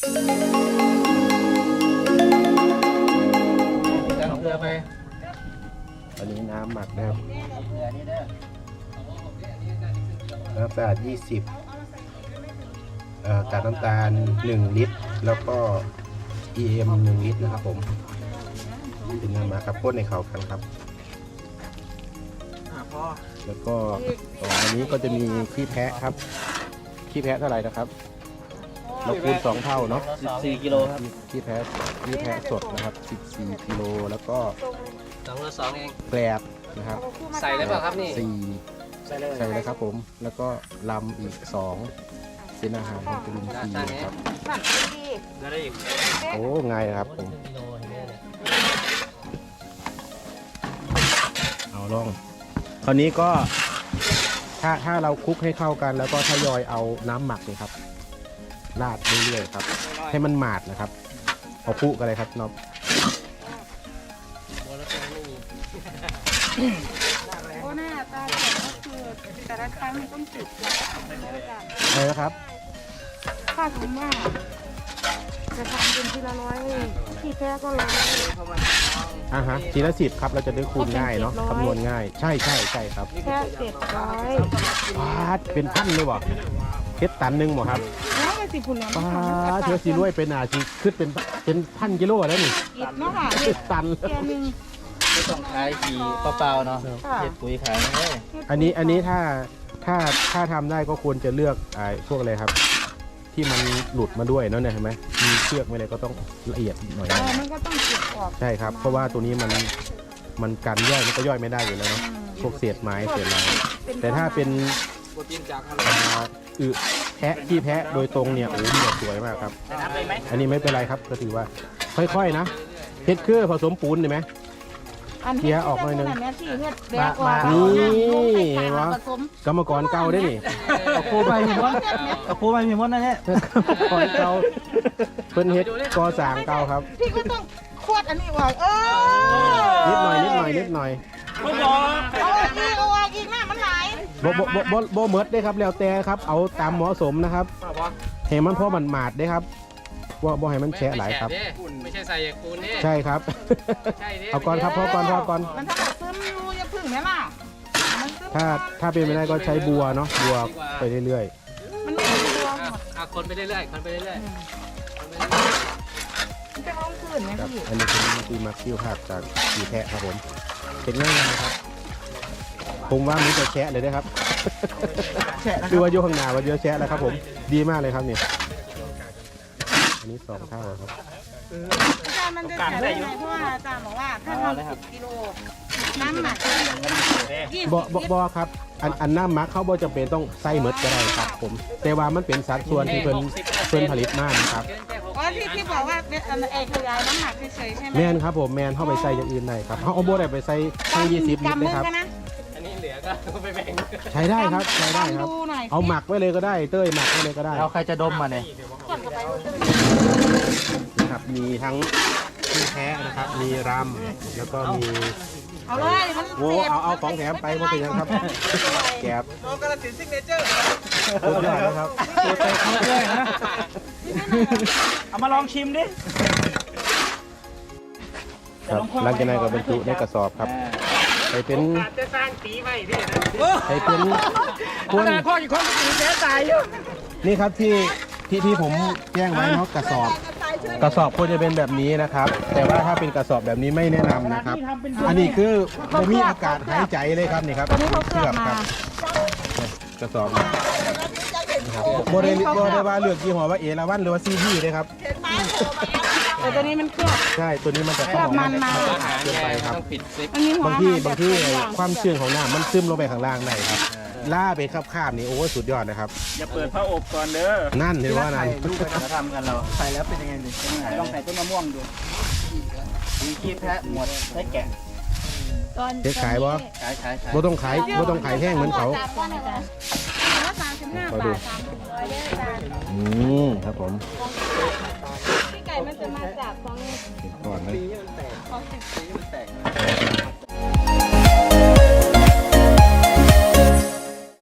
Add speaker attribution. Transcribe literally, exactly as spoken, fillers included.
Speaker 1: เกลือไป
Speaker 2: อันนี้น้ำหมักนะครับน้ำตาลยี่สิบกากน้ำตาลหนึ่งลิตรแล้วก็ อี เอ็ม หนึ่งลิตรนะครับผมเป็นน้ำหมักครับพ่นในเขากันครับแล้วก็ต่ออันนี้ก็จะมีขี้แพะครับขี้แพะเท่าไหร่นะครับเราคูณสองเท่าเนาะ
Speaker 1: สิบสี่กิโลครับ
Speaker 2: ขี้แพะขี้แพะสดนะครับสิบสี่กิโลแล้วก็
Speaker 1: สองละสองเอง
Speaker 2: แกลบนะครับ
Speaker 1: ใส่ได้ป่ะครับนี่
Speaker 2: สี่ใส่เลยใส่เลยครับผมแล้วก็ลำอีกสองเป็นอาหารของจุลินทรีย์ครับ
Speaker 1: ได้อีก
Speaker 2: โอ้ง่ายนะครับผมเอาลองคราวนี้ก็ถ้าถ้าเราคลุกให้เข้ากันแล้วก็ทยอยเอาน้ำหมักเลยครับราดเรื่อยๆครับให้มันหมาดนะครับเอาคลุกกันเลยครับน้อง
Speaker 3: โอ้หน้าตาเขียวก็คือแต่ละครั้งมันต้องจุด
Speaker 2: อะไรนะครับ
Speaker 3: ค่าสมว่าจะทำเป็นทีละร้อยที่แท้ก็ร้อย
Speaker 2: อ่าฮะทีละสิบครับเราจะได้คูณง่ายเนาะคำนวณง่ายใช่ใช่ใช่ครับ
Speaker 3: แค่เจ็ดร้อย
Speaker 2: ปาดเป็นพันเลยบ่เพชรตันหนึ่งบ่ครับ
Speaker 3: แล้วไปสิบผุนแล้ว
Speaker 2: ปาดเธอสีรวยเป็นอาชีพขึ้นเป็นเป็นพันกิโลแล้วนี่
Speaker 3: อิดเนาะค่ะ
Speaker 2: เพชรตัน
Speaker 1: ไม่ต้องขายขี่เปล่าๆเนาะเห็ดปุ๋ยขายเลย
Speaker 2: อันนี้อันนี้ถ้าถ้าถ้าทำได้ก็ควรจะเลือกไอ้พวกอะไรครับที่มันหลุดมาด้วยเนาะเนี่ยเห็นไหมมีเชือกไม่อะไรก็ต้องละเอียดหน่อย
Speaker 3: มันก็ต้องเก็บออก
Speaker 2: ใช่ครับเพราะว่าตัวนี้มันมันกันย่อยมันก็ย่อยไม่ได้อยู่แล้วเนาะพวกเศษไม้เศษอะไรแต่ถ้าเป็นอึแพะที่แพะโดยตรงเนี่ยโอ้โหสวยมากครับอันนี้ไม่เป็นไรครับก็ถือว่าค่อยๆนะเพชรคือผสมปูนเห็นไหมเคี่ยออกหน่อยนึงนี่วะกรรมกรเก่าได้นี่
Speaker 1: เอาโคไปมีมดเอาโคไปมีมดนะเนี่ย
Speaker 2: กรรมกรเก่าเพิ่นเฮ็ดกอสางเก่าครับ
Speaker 3: พี่ก็ต้องขวดอันนี้ไว้เอ
Speaker 2: อนิดหน่อยนิดหน่อยนิดหน่อย
Speaker 3: เอาอีกเอาอีกหน้ามันไหล
Speaker 2: บ่บ่บ่บ่บ่เมิดได้ครับแล้วแต่ครับเอาตามเหมาะสมนะครับให้มันพอมันหมาดได้ครับว่าบ่ให้มันแฉะหลายครับ
Speaker 1: ไม่ใช่ใส่ปูนนี่
Speaker 2: ใช่ครับเอาก่อนครับพอก่อนพอก่อน
Speaker 3: มันถ้าซึมอยู่อย่าพึ่งไหมล่ะ
Speaker 2: ถ้าถ้าเป็นไม่ได้ก็ใช้บัวเนาะบัวไปเรื่อย
Speaker 3: ๆมันไม่มีบัวหมด
Speaker 1: อ่ะคนไปเรื่อยๆคนไปเรื่อยๆ
Speaker 3: มันจะร้องคืนไหมพี่
Speaker 2: อันนี้เป็นตีมักคิวภาพจากสีแพะครับผมเป็นง่ายๆครับผมว่ามันจะแฉะเลยนะครับดูว่าอยู่ข้างหน้าว่าเยอะแฉะแล้วครับผมดีมากเลยครับนี่อันนี้สองเท่าครับ
Speaker 3: อาจารย์มันจะแฉะได้ไงเพราะว่าอาจารย์บอกว่าถ้าทำสิบกิโลน้ำหมัก
Speaker 2: บ่บ่บ่ครับอันอันน้ำหมักเขาบ่จำเป็นต้องใส่เมดก็ได้ครับผมแต่ว่ามันเป็นสัดส่วนที่เพิ่นเพิ่นผลิตมาครับ
Speaker 3: อ๋อที่ที่บอกว่าเอขยายน้ำหนักเฉยๆใช่ไหม
Speaker 2: แม่นครับผมแม่นเข้าไปใส่อย่างอื่นได้ครับเขาเอาโบได้ไปใส่ทั้งยี่สิบลิตรเลยครับ
Speaker 1: อันนี้เหลือก็ไปแบ่ง
Speaker 2: ใช้ได้ครับใช้ได้ครับเอาหมักไว้เลยก็ได้เต้ยหมักไว้เลยก็ได้
Speaker 1: เราใครจะดมมาเนี่ย
Speaker 2: นะครับมีทั้งที่แท้นะครับมีรำแล้วก็มี
Speaker 3: เอาเลยมัน
Speaker 2: โอ้เอาเอาของแถมไปมันเป็นยังครับแกบ
Speaker 1: โอ้กระสินซิกเนเจอร์
Speaker 2: สุดยอดนะครับ
Speaker 1: ตัวเตะเขาด้วยนะเอามาลองชิมดิ
Speaker 2: ครับหลังจากนั้นก็บรรจุในกระสอบครับไปเป็น
Speaker 1: จะสร้างตีไว้พี่
Speaker 2: ไปเป็น
Speaker 1: คนข้ออีกคนตีแย่ตายอยู่
Speaker 2: นี่ครับที่ที่ที่ผมแจ้งไว้เนาะกระสอบกระสอบควรจะเป็นแบบนี้นะครับแต่ว่าถ้าเป็นกระสอบแบบนี้ไม่แนะนำนะครับอันนี้คือไม่มีอากาศหายใจเลยครับนี่ครับ
Speaker 3: เคลือบ
Speaker 2: ครับกระสอบโมเดลโมเดลว่าเลือกยี่ห้อว่าเอราวันหรือว่าซีพีเลยครับ
Speaker 3: แต่ตัวนี้มันเคลือบ
Speaker 2: ใช่ตัวนี้มันจะ
Speaker 3: เคลือบมันมา
Speaker 2: เกินไปครับ
Speaker 3: บาง
Speaker 2: ที่บางที่ความชื้นของน้ำมันซึมลงไปข้างล่างได้ครับล่าไปคาบๆนี่โอ้สุดยอดนะครับ
Speaker 1: อย่าเปิดผ้าอบก่อนเด้อ
Speaker 2: นั่นเห็นว่านั่น
Speaker 1: ลูกจะทำกันเราใส่แล้วเป็นยังไงดิลองใส่ต้นมะม่วงดูมีขี้แพะหมดแพะแกะ
Speaker 2: เจ๊ขายบ่
Speaker 1: ขายขาย
Speaker 2: บ่ต้องขายบ่ต้องขายแห้งเหมือนเขามาดูอืมครับผม